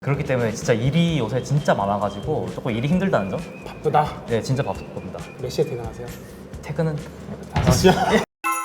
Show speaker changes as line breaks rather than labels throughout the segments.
그렇기 때문에 진짜 일이 요새 진짜 많아가지고 조금 일이 힘들다는 점?
바쁘다.
네, 진짜 바쁩니다.
몇 시에 퇴근하세요?
퇴근은
5시요?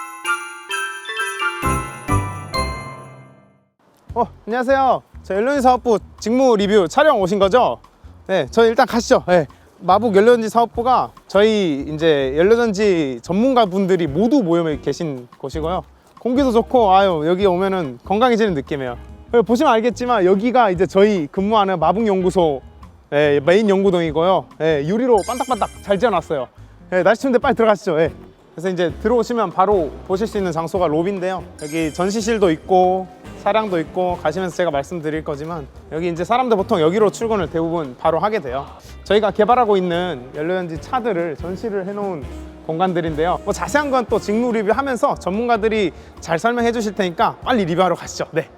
안녕하세요. 저 연료전지 사업부 직무 리뷰 촬영 오신 거죠? 네, 저희 일단 가시죠. 네. 마북 연료전지 사업부가 저희 이제 연료전지 전문가분들이 모두 모여 계신 곳이고요. 공기도 좋고 여기 오면은 건강해지는 느낌이에요. 보시면 알겠지만 여기가 이제 저희 근무하는 마북연구소 메인 연구동이고요. 유리로 반딱반딱 잘 지어놨어요. 날씨 추운데 빨리 들어가시죠. 그래서 이제 들어오시면 바로 보실 수 있는 장소가 로비인데요. 여기 전시실도 있고 사량도 있고 가시면서 제가 말씀드릴 거지만 여기 이제 사람들 보통 여기로 출근을 대부분 바로 하게 돼요. 저희가 개발하고 있는 연료전지 차들을 전시를 해놓은 공간들인데요. 뭐 자세한 건 또 직무 리뷰하면서 전문가들이 잘 설명해 주실 테니까 빨리 리뷰하러 가시죠. 네.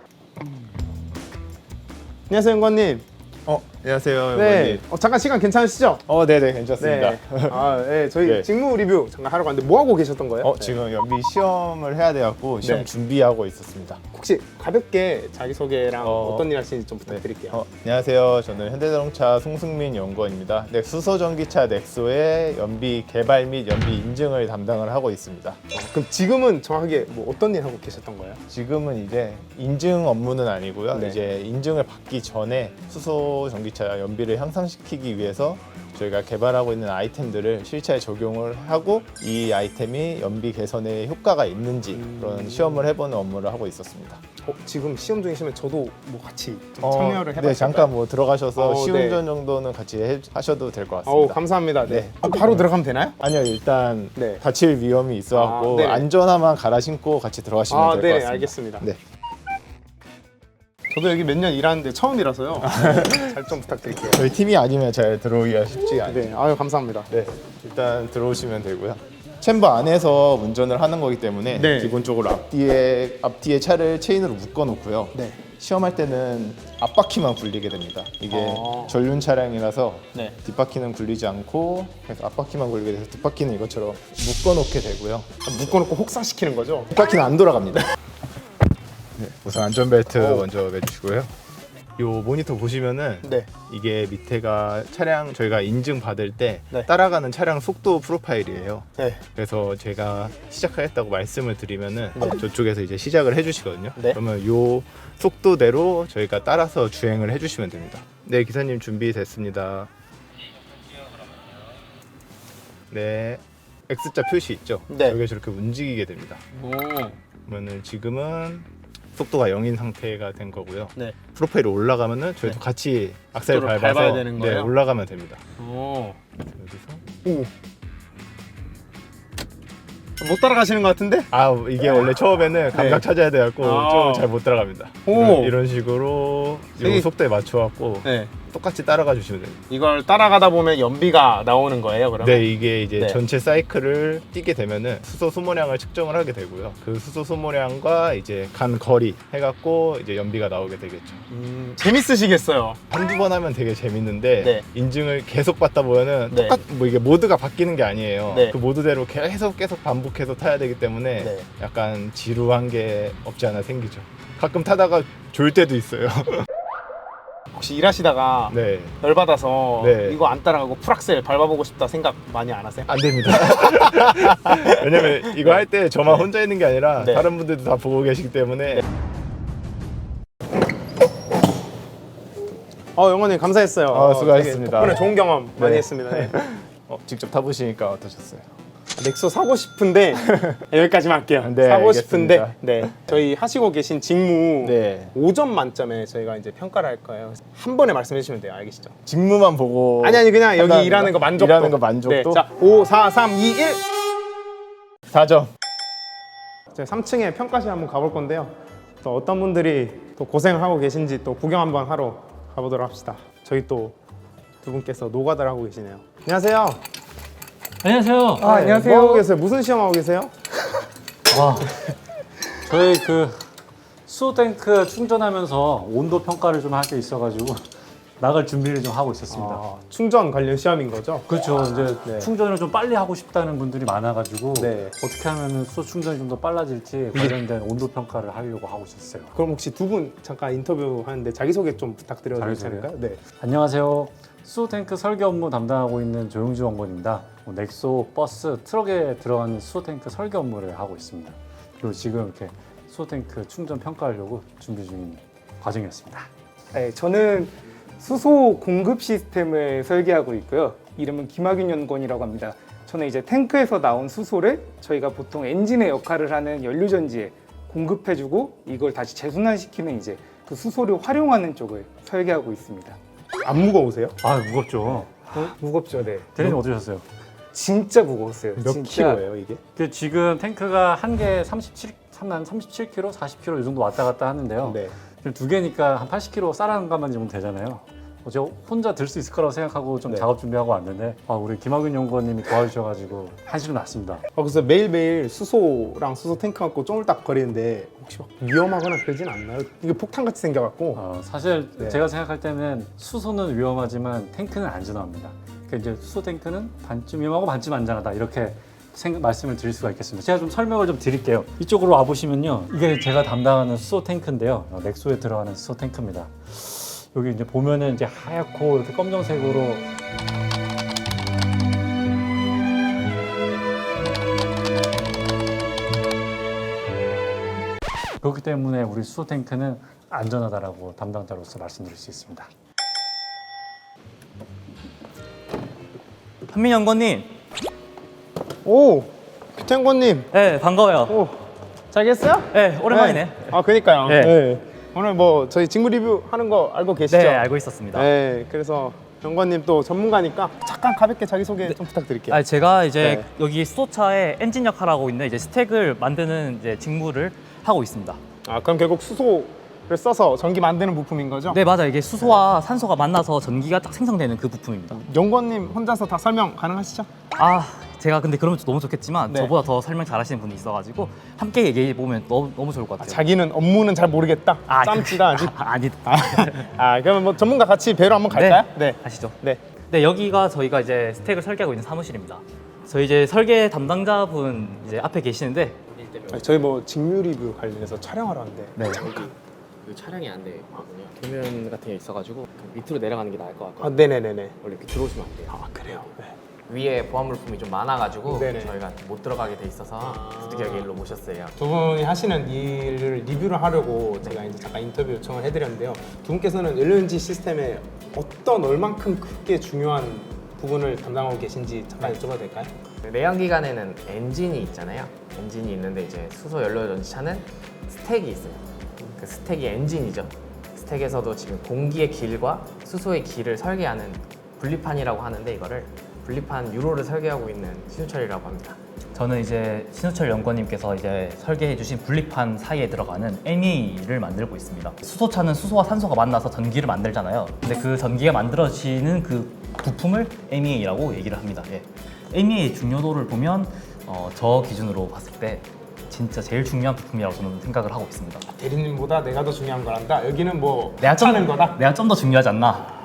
안녕하세요, 연구원님.
안녕하세요,
네.
연구원님.
잠깐 시간 괜찮으시죠?
네네, 괜찮습니다.
저희
네.
직무 리뷰 잠깐 하러 갔는데 뭐 하고 계셨던 거예요?
지금 연비 시험을 해야 돼갖고 시험
네.
준비하고 있었습니다.
혹시 가볍게 자기소개랑 어떤 일 하시는지 좀 부탁드릴게요.
안녕하세요. 저는 현대자동차 송승민 연구원입니다. 네, 수소전기차 넥소의 연비 개발 및 연비 인증을 담당을 하고 있습니다.
그럼 지금은 정확하게 뭐 어떤 일 하고 계셨던 거예요?
지금은 이제 인증 업무는 아니고요.
네.
이제 인증을 받기 전에 수소전기차 연비를 향상시키기 위해서 저희가 개발하고 있는 아이템들을 실차에 적용을 하고 이 아이템이 연비 개선에 효과가 있는지 그런 시험을 해보는 업무를 하고 있었습니다.
지금 시험 중이시면 저도 뭐 같이 좀 참여를 해봤을까요?
네, 잠깐 뭐 들어가셔서
네.
시운전 정도는 같이 하셔도 될 것 같습니다.
감사합니다.
네.
바로 들어가면 되나요?
아니요, 일단
네.
다칠 위험이 있어갖고
네네.
안전화만 갈아 신고 같이 들어가시면 될 것
네,
같습니다.
알겠습니다.
네.
저도 여기 몇 년 일하는데 처음이라서요. 잘 좀 부탁드릴게요.
저희 팀이 아니면 잘 들어오기가 쉽지 않아요.
네, 감사합니다.
네, 일단 들어오시면 되고요. 챔버 안에서 운전을 하는 거기 때문에
네.
기본적으로 앞뒤에 차를 체인으로 묶어 놓고요.
네.
시험할 때는 앞바퀴만 굴리게 됩니다. 이게 전륜 차량이라서
네.
뒷바퀴는 굴리지 않고 그래서 앞바퀴만 굴리게 돼서 뒷바퀴는 이것처럼 묶어 놓게 되고요.
묶어놓고 혹사시키는 거죠?
뒷바퀴는 안 돌아갑니다. 네, 우선 안전벨트 먼저 매주시고요. 요 모니터 보시면은
네.
이게 밑에가 차량 저희가 인증 받을 때
네.
따라가는 차량 속도 프로파일이에요.
네.
그래서 제가 시작하겠다고 말씀을 드리면은 저쪽에서 이제 시작을 해주시거든요.
네.
그러면 요 속도대로 저희가 따라서 주행을 해주시면 됩니다. 네, 기사님 준비됐습니다. 네, X자 표시 있죠?
네.
여기 저렇게 움직이게 됩니다.
오.
그러면은 지금은 속도가 0인 상태가 된 거고요.
네.
프로파일이 올라가면은 저희도 같이 악셀
속도를
밟아서
밟아야 되는 거예요?
올라가면 됩니다.
오.
여기서
못 따라가시는 것 같은데?
이게 원래 처음에는 감각 찾아야 돼갖고 좀 잘 못 따라갑니다.
오.
이런 식으로 이 속도에 맞춰갖고
네.
똑같이 따라가 주시면 됩니다.
이걸 따라가다 보면 연비가 나오는 거예요, 그러면?
네, 이게 이제
네.
전체 사이클을 뛰게 되면은 수소 소모량을 측정을 하게 되고요. 그 수소 소모량과 이제 간 거리 해갖고 이제 연비가 나오게 되겠죠.
재밌으시겠어요.
한두 번 하면 되게 재밌는데
네.
인증을 계속 받다 보면은
네.
뭐 이게 모드가 바뀌는 게 아니에요.
네.
그 모드대로 계속 반복해서 타야 되기 때문에
네.
약간 지루한 게 없지 않아 생기죠. 가끔 타다가 졸 때도 있어요.
혹시 일하시다가
네,
열받아서
네.
이거 안 따라가고 풀악셀 밟아보고 싶다 생각 많이 안 하세요?
안 됩니다. 왜냐면 이거 할 때 저만
네.
혼자 있는 게 아니라
네.
다른 분들도 다 보고 계시기 때문에
영원님 감사했어요.
수고하셨습니다.
덕분에 좋은 경험 많이
네.
했습니다. 네.
직접 타보시니까 어떠셨어요?
넥소 사고 싶은데 여기까지만 할게요.
네,
사고
알겠습니다.
싶은데 저희 하시고 계신 직무
네.
5점 만점에 저희가 이제 평가를 할 거예요. 한 번에 말씀해 주시면 돼요. 알겠시죠?
직무만 보고
아니 그냥 여기
판단합니다.
일하는 거 만족도.
일하는 거 만족도?
네. 자, 5, 4, 3, 2, 1.
4점.
저희 3층에 평가실 한번 가볼 건데요. 또 어떤 분들이 또 고생을 하고 계신지 또 구경 한번 하러 가보도록 합시다. 저희 또 두 분께서 노가다를 하고 계시네요. 안녕하세요.
안녕하세요.
안녕하세요. 뭐 하고 계세요? 무슨 시험 하고 계세요?
저희 그 수소 탱크 충전하면서 온도 평가를 좀 할 게 있어가지고 나갈 준비를 좀 하고 있었습니다.
아, 충전 관련 시험인 거죠?
그렇죠. 이제
네.
충전을 좀 빨리 하고 싶다는 분들이 많아가지고
네.
어떻게 하면 수소 충전이 좀 더 빨라질지 관련된 온도 평가를 하려고 하고 있었어요.
그럼 혹시 두 분 잠깐 인터뷰 하는데 자기소개 좀 부탁드려도
자기소개요?
괜찮을까요? 네.
안녕하세요. 수소 탱크 설계 업무 담당하고 있는 조용주 원건입니다. 넥소 버스 트럭에 들어가는 수소 탱크 설계 업무를 하고 있습니다. 그리고 지금 이렇게 수소 탱크 충전 평가하려고 준비 중인 과정이었습니다.
네, 저는 수소 공급 시스템을 설계하고 있고요. 이름은 김학윤 연구원이라고 합니다. 저는 이제 탱크에서 나온 수소를 저희가 보통 엔진의 역할을 하는 연료전지에 공급해주고 이걸 다시 재순환시키는 이제 그 수소를 활용하는 쪽을 설계하고 있습니다.
안 무거우세요?
아 무겁죠.
무겁죠, 네.
대리님 어떠셨어요?
진짜 무거웠어요.
몇
진짜.
킬로예요 이게?
그 지금 탱크가 한 개 37kg, 40kg 이 정도 왔다 갔다 하는데요.
네.
지금 두 개니까 한 80kg 쌀한 가만 주면 되잖아요. 제가 혼자 들 수 있을 거라고 생각하고 좀
네.
작업 준비하고 왔는데 우리 김학윤 연구원님이 도와주셔가지고 한시름 났습니다.
그래서 매일매일 수소랑 수소 탱크 갖고 쪼물딱 거리는데 혹시 막 위험하거나 그러진 않나요? 이게 폭탄같이 생겨갖고
사실
네.
제가 생각할 때는 수소는 위험하지만 탱크는 안전합니다. 그러니까 이제 수소 탱크는 반쯤 위험하고 반쯤 안전하다 이렇게 말씀을 드릴 수가 있겠습니다. 제가 좀 설명을 좀 드릴게요. 이쪽으로 와 보시면요, 이게 제가 담당하는 수소 탱크인데요, 넥소에 들어가는 수소 탱크입니다. 여기 이제 보면은 이제 하얗고 이렇게 검정색으로 그렇기 때문에 우리 수소 탱크는 안전하다라고 담당자로서 말씀드릴 수 있습니다.
한민 연구원님.
오! 규태연구원님!
네, 반가워요.
오! 잘 계셨어요?
네, 오랜만이네.
아 그니까요.
네.
네. 오늘 뭐 저희 직무 리뷰 하는 거 알고 계시죠?
네, 알고 있었습니다.
네, 그래서 연구원님 또 전문가니까 잠깐 가볍게 자기소개 좀 부탁드릴게요.
아, 제가 이제
네.
여기 수소차의 엔진 역할을 하고 있는 이제 스택을 만드는 이제 직무를 하고 있습니다.
아, 그럼 결국 수소를 써서 전기 만드는 부품인 거죠?
네, 맞아요. 이게 수소와 산소가 만나서 전기가 딱 생성되는 그 부품입니다.
연구원님 혼자서 다 설명 가능하시죠?
아, 제가 근데 그러면 너무 좋겠지만
네.
저보다 더 설명 잘하시는 분이 있어가지고 함께 얘기해 보면 너무 좋을 것 같아요.
자기는 업무는 잘 모르겠다. 짬찌다 아직.
아니,
그러면 뭐 전문가 같이 뵈러 한번 갈까요? 네.
가시죠.
네.
네, 여기가 저희가 이제 스택을 설계하고 있는 사무실입니다. 저희 이제 설계 담당자분 이제 앞에 계시는데
저희 뭐 직무 리뷰 관련해서 촬영하러 왔는데
네.
그 촬영이 안 되거든요. 도면 같은 게 있어가지고 그 밑으로 내려가는 게 나을 것 같아요.
아, 네네네네.
원래 이렇게 들어오시면 안 돼요.
아, 그래요? 네.
위에 보안 물품이 좀 많아가지고
네네.
저희가 못 들어가게 돼 있어서 부득이하게 일로 모셨어요.
두 분이 하시는 일을 리뷰를 하려고 제가 이제 잠깐 인터뷰 요청을 해드렸는데요. 두 분께서는 LNG 시스템에 어떤 얼만큼 크게 중요한 부분을 담당하고 계신지 잠깐 여쭤봐도 될까요?
내연기관에는 엔진이 있잖아요. 엔진이 있는데 이제 수소 연료 전지차는 스택이 있어요. 그 스택이 엔진이죠. 스택에서도 지금 공기의 길과 수소의 길을 설계하는 분리판이라고 하는데 이거를 분리판 유로를 설계하고 있는 신우철이라고 합니다.
저는 이제 신우철 연구원님께서 이제 설계해 주신 분리판 사이에 들어가는 ME를 만들고 있습니다. 수소차는 수소와 산소가 만나서 전기를 만들잖아요. 근데 그 전기가 만들어지는 그 부품을 MEA라고 얘기를 합니다. 예. MEA 중요도를 보면 저 기준으로 봤을 때 진짜 제일 중요한 부품이라고 저는 생각을 하고 있습니다.
대리님보다 내가 더 중요한 거란다. 여기는 뭐
내가
하는 거다.
내가 좀 더 중요하지 않나?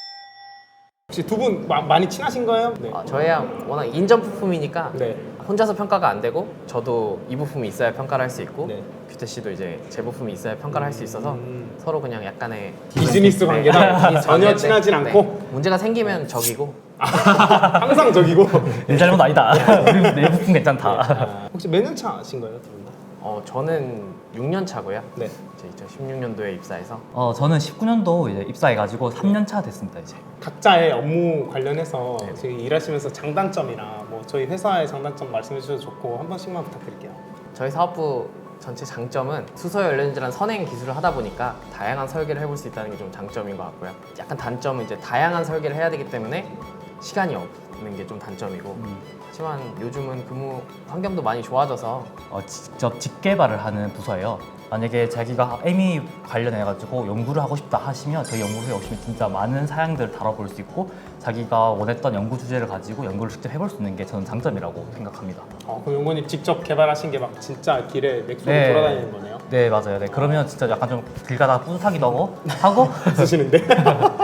혹시 두 분 많이 친하신 거예요? 네.
저희야 워낙 인정 부품이니까
네.
혼자서 평가가 안 되고 저도 이 부품이 있어야 평가를 할 수 있고
네.
규태 씨도 이제 제 부품이 있어야 평가를 할 수 있어서 서로 그냥 약간의
비즈니스 관계다.
비즈니스
전혀
관계인데,
친하진
네.
않고
문제가 생기면 적이고
항상 저기고.
내 잘못 아니다. 내 부품 괜찮다.
혹시 몇 년 차신 거예요, 두 분 다?
저는 6년 차고요.
네.
제 2016년도에 입사해서
저는 19년도 이제 입사해가지고 3년 차 됐습니다 이제.
각자의 업무 관련해서
네.
지금 일하시면서 장단점이나 뭐 저희 회사의 장단점 말씀해 주셔도 좋고 한 번씩만 부탁드릴게요.
저희 사업부 전체 장점은 수소 연료전지란 선행 기술을 하다 보니까 다양한 설계를 해볼 수 있다는 게 좀 장점인 것 같고요. 약간 단점은 이제 다양한 설계를 해야 되기 때문에 시간이 없는 게 좀 단점이고 하지만 요즘은 근무 환경도 많이 좋아져서
직접 직개발을 하는 부서예요. 만약에 자기가 MEA 관련해가지고 연구를 하고 싶다 하시면 저희 연구소에 오시면 진짜 많은 사양들을 다뤄볼 수 있고 자기가 원했던 연구 주제를 가지고 연구를 직접 해볼 수 있는 게 저는 장점이라고 생각합니다.
그럼 용건님 직접 개발하신 게 막 진짜 길에 넥소로
네.
돌아다니는 거네요?
네, 맞아요. 네, 그러면 진짜 약간 좀 길 가다가 뿌듯하기도 하고
쓰시는데?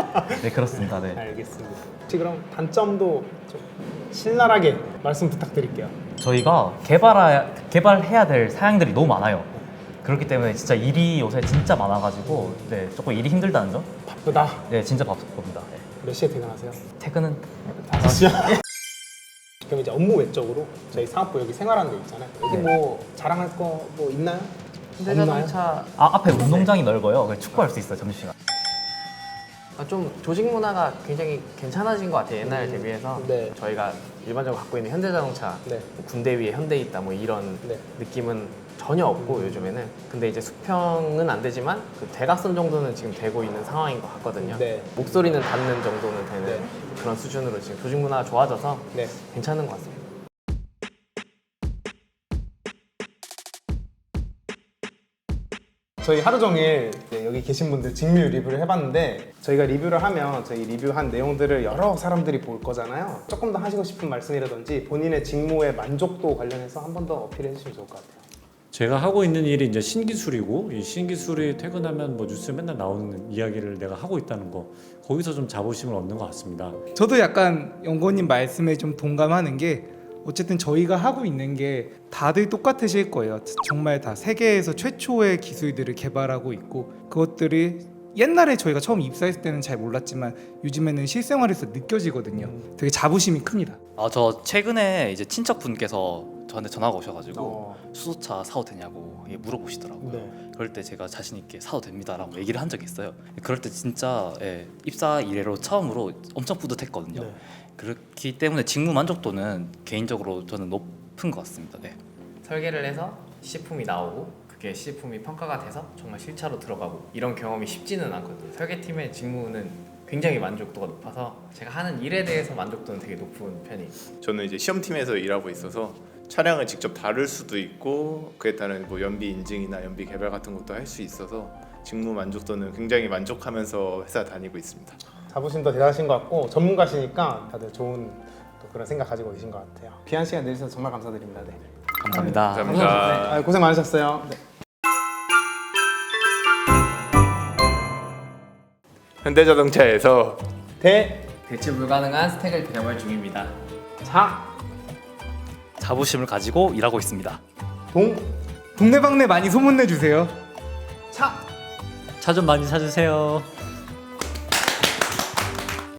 네, 그렇습니다. 네.
알겠습니다. 혹시 그럼 단점도 좀 신랄하게 말씀 부탁드릴게요.
저희가 개발해야 될 사양들이 너무 많아요. 그렇기 때문에 진짜 일이 요새 진짜 많아가지고 네, 조금 일이 힘들다는 점?
바쁘다.
네, 진짜 바쁩니다. 네.
몇 시에 퇴근하세요?
퇴근은
5시요? 그럼 이제 업무 외적으로 저희 사업부 여기 생활하는 데 있잖아요. 여기
네.
뭐 자랑할 거 뭐 있나요?
현대자동차
앞에 운동장이 넓어요. 그래서 축구할 수 있어요, 점심시간.
좀 조직 문화가 굉장히 괜찮아진 것 같아요. 옛날에 대비해서
네.
저희가 일반적으로 갖고 있는 현대자동차
네.
뭐 군대 위에 현대 있다 뭐 이런
네.
느낌은 전혀 없고 요즘에는 근데 이제 수평은 안 되지만 그 대각선 정도는 지금 되고 있는 상황인 것 같거든요.
네.
목소리는 닿는 정도는 되는
네.
그런 수준으로 지금 조직 문화가 좋아져서
네.
괜찮은 것 같습니다.
저희 하루 종일 이제 여기 계신 분들 직무 리뷰를 해봤는데 저희가 리뷰를 하면 저희 리뷰한 내용들을 여러 사람들이 볼 거잖아요. 조금 더 하시고 싶은 말씀이라든지 본인의 직무의 만족도 관련해서 한 번 더 어필해 주시면 좋을 것 같아요.
제가 하고 있는 일이 이제 신기술이고 이 신기술이 퇴근하면 뭐 뉴스에 맨날 나오는 이야기를 내가 하고 있다는 거 거기서 좀 자부심을 얻는 것 같습니다.
저도 약간 연구원님 말씀에 좀 동감하는 게 어쨌든 저희가 하고 있는 게 다들 똑같으실 거예요. 정말 다 세계에서 최초의 기술들을 개발하고 있고 그것들이 옛날에 저희가 처음 입사했을 때는 잘 몰랐지만 요즘에는 실생활에서 느껴지거든요. 되게 자부심이 큽니다.
저 최근에 이제 친척분께서 저한테 전화가 오셔가지고
어.
수소차 사도 되냐고 물어보시더라고요.
네.
그럴 때 제가 자신 있게 사도 됩니다라고 얘기를 한 적이 있어요. 그럴 때 진짜 입사 이래로 처음으로 엄청 뿌듯했거든요.
네.
그렇기 때문에 직무 만족도는 개인적으로 저는 높은 것 같습니다. 네.
설계를 해서 시제품이 나오고 그게 시제품이 평가가 돼서 정말 실차로 들어가고 이런 경험이 쉽지는 않거든요. 설계팀의 직무는 굉장히 만족도가 높아서 제가 하는 일에 대해서 만족도는 되게 높은 편이에요.
저는 이제 시험팀에서 일하고 있어서 차량을 직접 다룰 수도 있고 그에 따른 뭐 연비 인증이나 연비 개발 같은 것도 할 수 있어서 직무 만족도는 굉장히 만족하면서 회사 다니고 있습니다.
자부심도 대단하신 것 같고 전문가시니까 다들 좋은 또 그런 생각 가지고 계신 것 같아요. 귀한 시간 내주셔서 정말 감사드립니다. 네.
감사합니다.
감사합니다.
고생 많으셨어요. 네.
현대자동차에서
대체 불가능한 스택을 개발 중입니다.
자부심을 가지고 일하고 있습니다.
동네방네 많이 소문내 주세요.
차 좀 많이 사주세요.